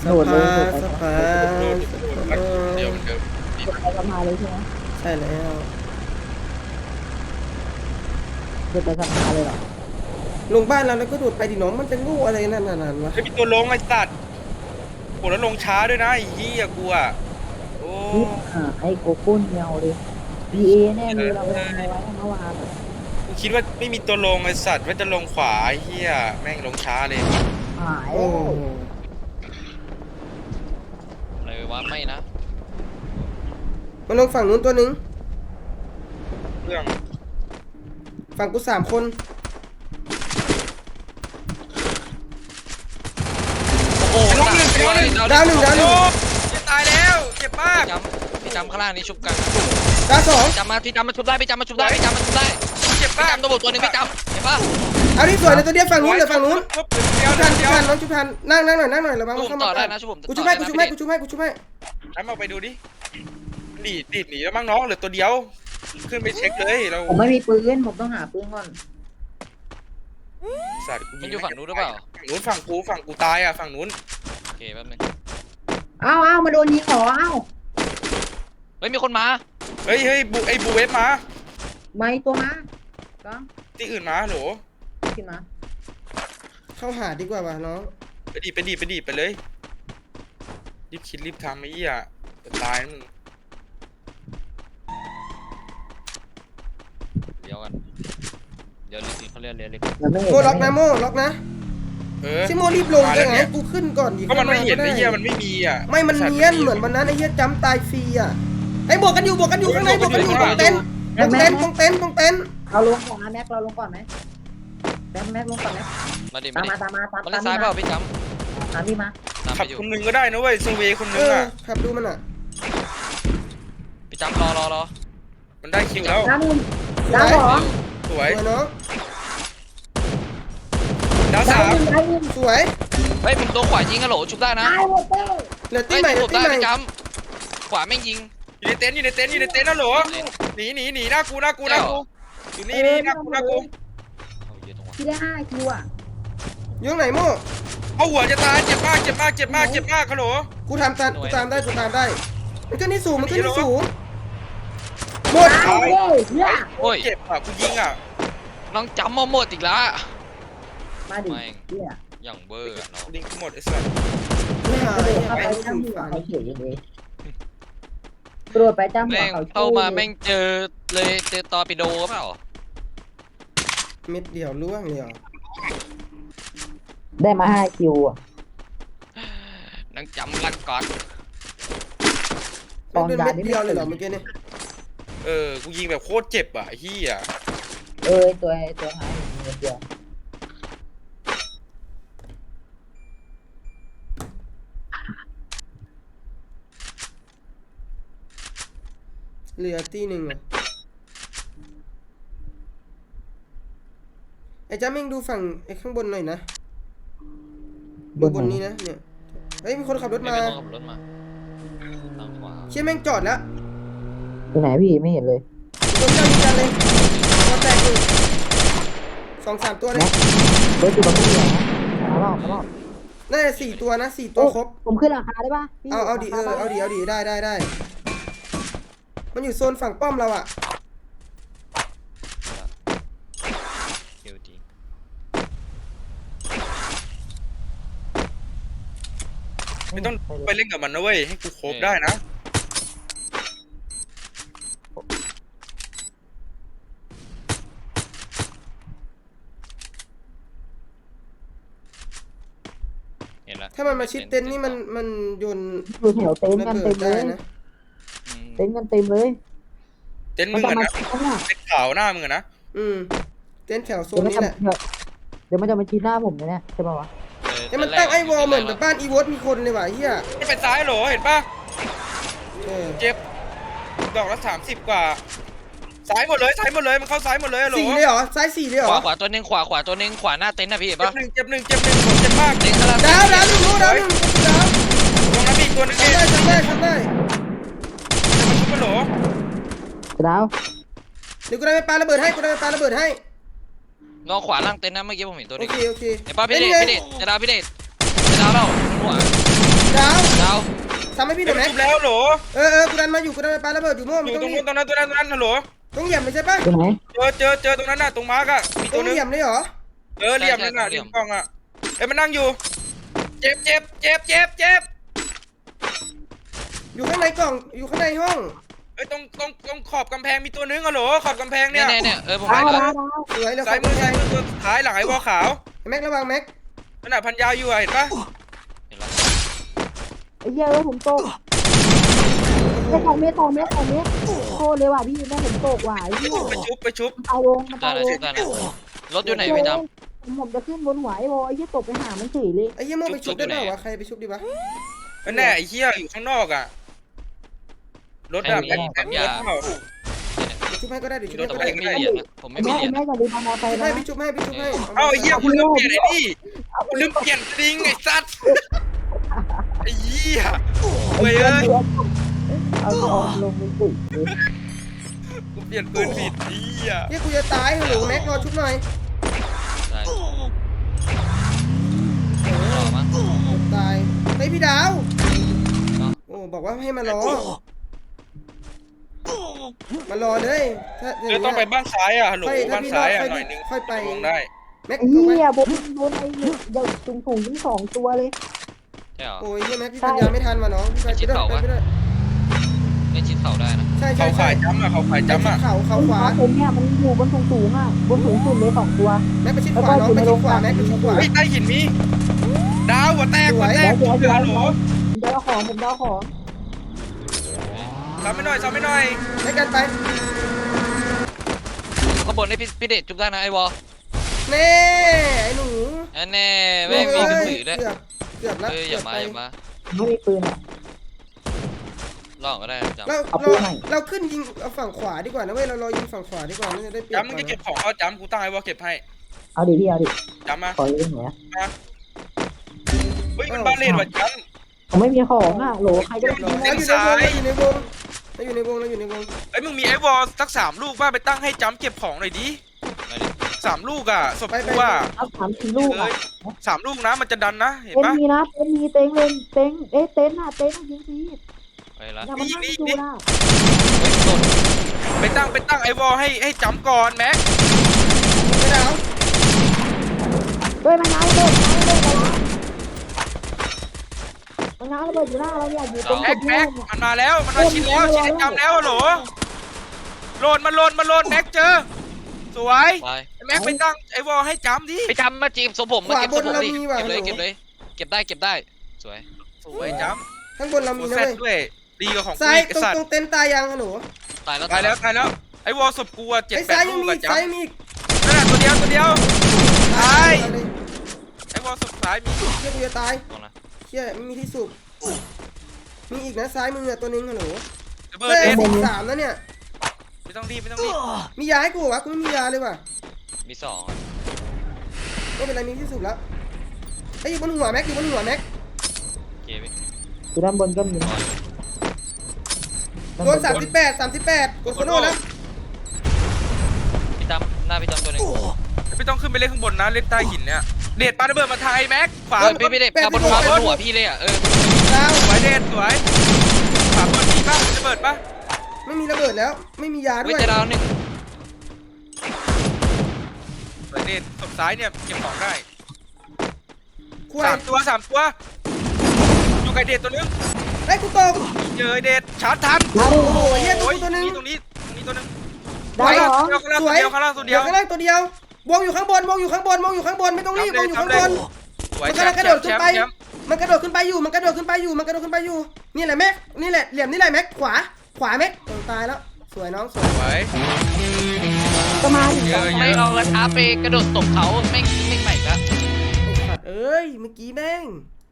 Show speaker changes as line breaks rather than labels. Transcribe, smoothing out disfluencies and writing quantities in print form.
โดดเลยโดดไป
สภา
เดี๋ยวมันเดิม
โดดไปสะพานเลยใช่ไหม
ใช่แล้ว
โดดไปสะพานเลยเหรอ
ลงบ้านเราแล้วก็โดดไปดิน้องมันจะงูอะไรนั่นวะ
ไม่มีตัวลงไอ้สัตว์โหแล้วลงช้าด้วยนะไอ้เหี้ยกูอ่ะโอ้
นี่ไอ้โกโก้เงียวเลย PA แน่เลยเราไปทำอะไรไว้เมื่อวาน
กูคิดว่าไม่มีตัวลงไอ้สัตว์ว่าจะลงขวาไอ้เหี้ยแม่งลงช้าเลย
หาย
โอ้
อะไรวะไม่นะ
มันลงฝั่งนู้นตัวหนึง
เรื่อง
ฝั่งกู3 คน
โอ้โห
น้องหนึ่ง
ดาวหนึ่ง
จะตายแล้วเจ็บมาก
พี่จำข้างล่างนี่ชุบกัน
ดาว 2
พี่จำมาชุบได้พี่จำมาชุบได้พี่จำมาชุบได้
เจ็บ
พี่
มาก
จำตัวบุกตัวหนึงพี่จำเห็นปะ
เอาที่สวยเลยตัวเดียวฝั่งนู้นเดี๋ยวฝั่งนู้น
เดี๋ยว
ชุบทันน้องชุบทันนั่งหน่อยระวัง
ชุ
มัน
บ
เข้า
ต่อ
มา
ได้นะชุบผม
กูชุบให้
น้ำเอาไปดูดิดีดหนีแล้วมั้งน้องเหลือตัวเดียวขึ้นไปเช็คเลยเรา
ผมไม่มีปืนผมต้องหาปืนก่อน
สัตว์กู
มันอยู่ฝั่งนู้นหรือเปล่า
ฝั่งกูตายอ่ะฝั่งนู้น
โอเคแป๊บนึง
อ้าวมาโดนยิงเหรออ้าว
เฮ้ยมีคนมา
เฮ้ยไอ้บูเวฟมา
ไม่ตัวมาก็
ที่อื่นมาโหล
ขึ้นมา
เข้าหาดีกว่าวะน้อง
ไปดีไปเลยรีบคิดรีบทำไอ้เหี้ยจะตายนะมึง
เดี๋ยวกันเดี๋ยวลิเขาเรียกเรียก
มันไม่เห็น
โมล็อกนะโมล็อกนะ ชิโมรีบลงยังไงให้กูขึ้นก่อนดิ
ก็มันไม่เห็น
ข้าา
ไอ้
ก็
เหี้ย
ด้
มันไม่มีอ่ะ
ไม่มันเนียนเหมือนวันนั้นไอ้เหี้ยจำตายฟรีอ่ะไอ้บวกกันอยู่ข้างในบวกกันอยู่ตรงเต็นท์
เราลงก่อนนะแม็กเราลงก่อนไหมแม็กลงก่อนไหม
มาดิ
ตาม
มา
มา
ดิ
ตาม
มันเล่นซ้ายเปล่าพี่จ
ตามพี่มา
ำตาม
ขั
ไป
บ
อยู่
คนหนึงก็ได้นะเว้ยเซเวย์คนหนึงอ่ะ
ขับดูมันอ่ะ
พี่จำรอ
มันได้คิวแล้ว
ดาวหนึ่งดาวสอง
ส
ส
ว
วย ยน้อง
ดาว
ดา
สาว ม
หนึ่งดาวหนึ่ง
สวย
เฮ้ยผมตัวขวายิงกันโหลชุบได้นะ
ดาวหมดเลย
เหลือตี
เฮ้ย
ใหม่เหลื
ชุ
อบ ตี
ได้
ใหม่
พี่จำขวาแม่งยิง
อยู่ในเต็นท์นะโหลหนีหน้ากูอยู่นี่หน้ากู
เอาเยอะตรงวะ
ที่ได้5 คิวอ่ะ
อยู่ไหนโม่
เอาหัวจะตายเจ็บมากฮัลโหล
กูตามได้มันก็นี่สูงหมด
ตายเลยเนี่ย
โอ้ย
เจ็บอ่ะกูยิงอ่ะ
น้องจำมาหมดอีกแล้ว
มาดิเนี่ย
อย่างเบอร์อะน้อง
ยิงกูหมดไอ้สัส
ไม่หาย
เข้าไป
ไป
จ้ำ
ถึ
หั
ง
ว
ฝัน
เขาเฉยเลยกระโดดไปจ้ำหัว
แม่ง
เขา
เข้ามาแม่งเจอเลยเจอตอร์ปิโดเปล่า
เม็ดเดียวล่วงเลยเหรอ
ได้มา5 คิวอ่ะ
น้องจำรักก่อน
ไม่เดินเม็ดเดียวเลยเหรอเมื่อกี้นี่
กูยิงแบบโคตรเจ็บอ่ะไอ้เหี้ย
ตัวหายเดียว
เหลือตีหนึ่งอ่ะไอ้จ้าเม่งดูฝั่งไอ้ข้างบนหน่อยนะบนนี้นะเนี่ยเฮ้ยมีคนขับรถ
ไม่
มา
ต้องขับรถมาทางขวา
เชี่ยแม่งจอดแล้ว
ตัวไหนพี่ไม่เห็นเลย
โดนจังเลยตัวแตกอยู่2-3 ตัวเลย
เฮ้ยตัวมันไม่เหลือนะมาลอก
น่าจะ4 ตัวนะ4 ตัวครบ
ผมขึ้นราคาได้ป่ะ
เอาดิเอาดิได้มันอยู่โซนฝั่งป้อมเราอ่ะ
เดี๋ยวจริง
ไม่ต้องไปเล่นกับมันนะเว้ยให้กูโคบได้นะ
เห็นแล้ว
ถ้ามันมาชิดเต็นท์นี่มันโยน
อยู่แถวเต็นท์
ระ
กัน
เบิ
เต็
ด
มเล
ได้
ย
นะ
เต็นท์กันเต็มเลย
เต็นท์
มั
มึ
น
ง
จะ
อะ
มา
นะ
ชิดข้างหน้า
เต็นท์ขาวหน้ามึงอะนะ
เต็นท์แถวโซ
เดี๋ยวน มัน
นี้
จะ
แหละ
เดี๋ยวมันจะมาชิดหน้าผมเนี่ยใช่ป่าวะ
ไอ้มันตั้งไอ้วอลเหมือนแบบบ้านอีวอตมีคนเลยว่ะเฮีย
ไม่ไปซ้ายเหรอเห็นป่ะ
เออ
เจ็บดอกละ30 กว่าซ้ายหมดเลยมันเข้าซ้ายหมดเลยเหรอ
4เลยเหรอซ้าย4เลยเหร
ข
อ
วาตัวหนึงขวาตัวหนึงขวาหน้าเต็นท์นะพี่เห็น
เจ็บ
ปะ
หนึ่งเจ็บหนึ่งผมเจ็บมาก
เต็นท์กำลัง
ดาวหนึ่งรู้ดาวหนึ่งดาว
ตรงนั้นมีอีกตัวนึงเอง
ทำได้
มันชุบมันเหรอ
ดาว
เดี๋ยวกูได้ไปปาระเบิดให้
น้องขวาล่างเต็นท์นะเมื่อกี้ผมเห็นตัวห
โอ
นึง
เค
เห็นปะพี่เดชจะดาวพี่เดชจะดาวเราหัว
ดาวซ้ำให้พี่หน่อยแม็ก
ชุบแล้วโหล
กูดันมาอยู่กูดันไปปาระเบิดอยู่มั่ว
อ
ไม่
ยู่
ต้อง
ตรง
รี
นู้
บ
นตรงนั้นฮัลโหล
ต้องเหยียบไม่ใช่ปะ
อยู่ไหน
เจอตรงนั้นน่ะตรงมาร์กอ่ะมี
ต้
ตั
อ
ว
ง
นึง
เหยียบเลยเหรอ
เหลี่ยมนั่นน่ะริมกล้องอ่ะมันนั่งอยู่เจ็บ
อยู่ข้างในกล่องอยู่ข้างในห้อง
ตรงขอบกำแพงมีตัวนึงฮัลโหลขอบกำแพง
เนี่
เนี่ย ย
ผม
ดา
เห็
วน
แล้ว
ดาว
สวยแล้ว
ซ้ายมือตัวสุดท้ายหลังไอ้วอขาว
แม็กระวังแม็ก
นั่นน่ะพันยาวอยู่เห็นปะ
เห็นแล้ว
ไอ้เหี้ยผมตกไอ้2 เมตรโคตรเลยว่ะพี่แม่ผมตกว่ะไอ้เหี้ย
ไปชุบ
เอาลงมัน
ได้
เอา
แล้ว
ล
ชุ
ง
บได้แล้วรถอยู่ไหนพี่จ
ผมจะขึ้นบนหัวไอ้โบไอ้เหี้ยตกไปหามันเฉยเลย
ไอ้เหี้ยโม่ไปชุบได้เปล่าวะใครไปชุบดีวะ
แน่ไอ้เหี้ยอยู่ข้างนอกอ่ะรถอะแม็กเปล่า
ไปชุบให้ก็ได้เดี๋ยวชุบ
ำ
ให้
แต่
ก็
ผม
ได้
ไม่มีเหรียญนะผมไม่มี
แม่
เหรียญ
แม่จะลืมเอามอไซค์
ให้
นะ
พี่ชุบให้
เอ้าไอ้เหี้ยคุณลืมเปลี่ยนไอ้นี่คุณลืมเปลี่ยนสลิงไอ้สัตว์ไอ้เหี้ยเว้ย
เอาลงมันปุ๋ย
กูเปลี่ยนปืนผิดไอ้เหี้ย
เหี้ยกูจะตายฮัลโหลแม็กรอชุบหน่อย
ได้รอมั้ง
ตายไอ้พี่ดาวโอ้บอกว่าให้มารอเลยถ้า
ต้องไปบ้านซ้ายอ่ะฮัลโหล
ถ้า
บ้าน
พี่
ซ้าย
ร
อ่ะ
อด
หน่อยนึง
ค่อยไป
ลงได้
แม็ก
ไอ้เหี้ยผมโดนไอ้เนี่ยเดี๋ยวถุงทั้ง2 ตัวเลย
ใช่เหรอ
โอ้ยเหี้ยแม็กพี่ปัญญาไม่ทันว่ะน้องพี่ไปไม่ได้
เล่นชิดเข่าได้นะ
ใช่
เขาขายจ้ำอ่ะเขาขายจ้ำอ่ะ
เขาขวา
ผมเนี่ยมันอยู่บนสูงอ่ะบนสูงสุดเลย2 ตัว
แม็กไปชิดขวาน้องไปชิดขวาแม็กไปชิดขวา
เฮ้ยใต้หินมีดาวหัวแตก
เดี๋ยว
ฮัลโหล
ผมจะเอาของ
ซ้ำไม่หน่อย
ให้กันไป
ข้างบนให้พี่เดชจุบได้นะไอ้วอ
เน่ไอ้หนู
อันแน่แม่งมีกระสือด้วย
เกือบแล้ว
อย่ามา
ไม่มีปืนอ่ะ
ลองก็ได้จำ
เราขึ้นยิงเอาฝั่งขวาดีกว่านะเว้ยเรารอยิงฝั่งขวาดีกว่ามันจะได้เปรียบ
จ้ำมึงจะเก็บของเอาจ้ำกูตั้งไอ้วอเก็บให้
เอาดิพี่เอาดิ
จ้ำมา
ขอยืมหน่อย
เฮ้ยมันบ้าเล่นว่ะจ้
ผมไม่มีของอ่ะโหลใครก็ได้
เราอยู่ในวงเราอยู่ในวง
ำไอ้มึงมีไอ้วอสัก3 ลูกบ้าไปตั้งให้จ้ำเก็บของหน่อยดิ3 ลูกอ่ะศพกูอ่ะ
เอา3-4 ลูกอ่ะ
3 ลูกนะมันจะดันนะเห็น
เต็น
ปะ
มีนะเต็นมีเต็งเลยเต็งเต็นอ่ะยิงที
ไปละ
อย่ามานั่งดูนะ
ไปตั้งไอ้วอให้จ้ำก่อนแม็ก
ไม่ดาว
ด้วยมันง้างระเบิดมันง้างระเบิดอยู่หน้าเราเนี่ยอยู่ตรง
แม็กมันมาแล้วมันมาชิดแล้วชิดไอ้จ้ำแล้วโหลโหลดมาโหลดแม็กเจอสวย
ไป
แม็กไปตั้งไอ้วอให้จ้ำดิ
ไปจำมาจีบสมผมมาเก็บสมผมดิเก็บเลยเก็บได้สวย
สวยจ้
ข้างบนเรา
ำ
มี
กู
นะ
แซด
เว้ย
ด้วยดีกว่าของกู
ซ้าย
อีกไอ้สัต
ตร
ว์
งเต็นท์ตายยังหนู
ตายแล้ว
ตายแล้วไอ้วอศพกูอ่ะ
ไอ้ซ้าย
7-8
ยั
ลู
ง
ก
มี
อ่ะจ้
ซ้ายมี
ำนั่นแหละตัวเดียวตายไอ้วอศพซ้ายมี
เชี่ยกูจะตาย
ตรงนะ
เชี่ยไม่มีที่สูบมีอีกนะซ้ายมือตัวนึงหนู
ระเบิด
เฮ้ย
เด็ด
13นะเนี่ย
ไม่ต้องรีบ
มียาให้กูวะกูไม่มียาเลยว่ะ
มี2
ไม่เป็นไรมีที่สูบแล้วไอ้อยู่บนหัวแม็ก
เก็บ
อยู่ด้านบนก็มี
โดน38กดโคโน่แล้ว
พี่จำหน้าพี่จำตัวนึง
ไม่ต้องขึ้นไปเล่นข้างบนนะเล่นใต้หินเนี่ยเด็ดปาระเบิดมาไทยแม็กขวา
พี่เด็กบนหัวพี่เลยอ่ะ
ดาว
สวยเด็ดสวยขวาบนมีป่ะระเบิดป่ะ
ไม่มีระเบิดแล้วไม่มียาด้
วิ
วย
จารณ์1
สวยเด็ดศพซ้ายเนี่ยเก็บของได้
ควาย
3 ตัวอยู่ไกลเด็ดตัวนึง
ไอ้กูตก
เจอเด็ดชาร์จทัน
โอ้โหเฮียตัวนึง
ตรงนี้ตัวนึง
ดาวเหรอ
ข้างล่างตัวเดียว
ข้างล่างตัวเดียววงอยู่ข้างบนไม่ต้องรีบวงอยู่ข้างบน
สวย
มัน
แช
กำลั
ม
ง
ป์
กระโดดขึ้นไป
แชมป์
มันกระโดดขึ้นไปอยู่นี่แหละแม็กนี่แหละเหลี่ยมนี่แหละแม็กขวาแม็กตายแล้วสวยน้องสวย
สวย
ก็มา
ไม่เอากระทะไปกระโดดตบเขาไม่ใหม่ละ
ไอ้สัตว์เอ้ยเมื่อกี้แม่ง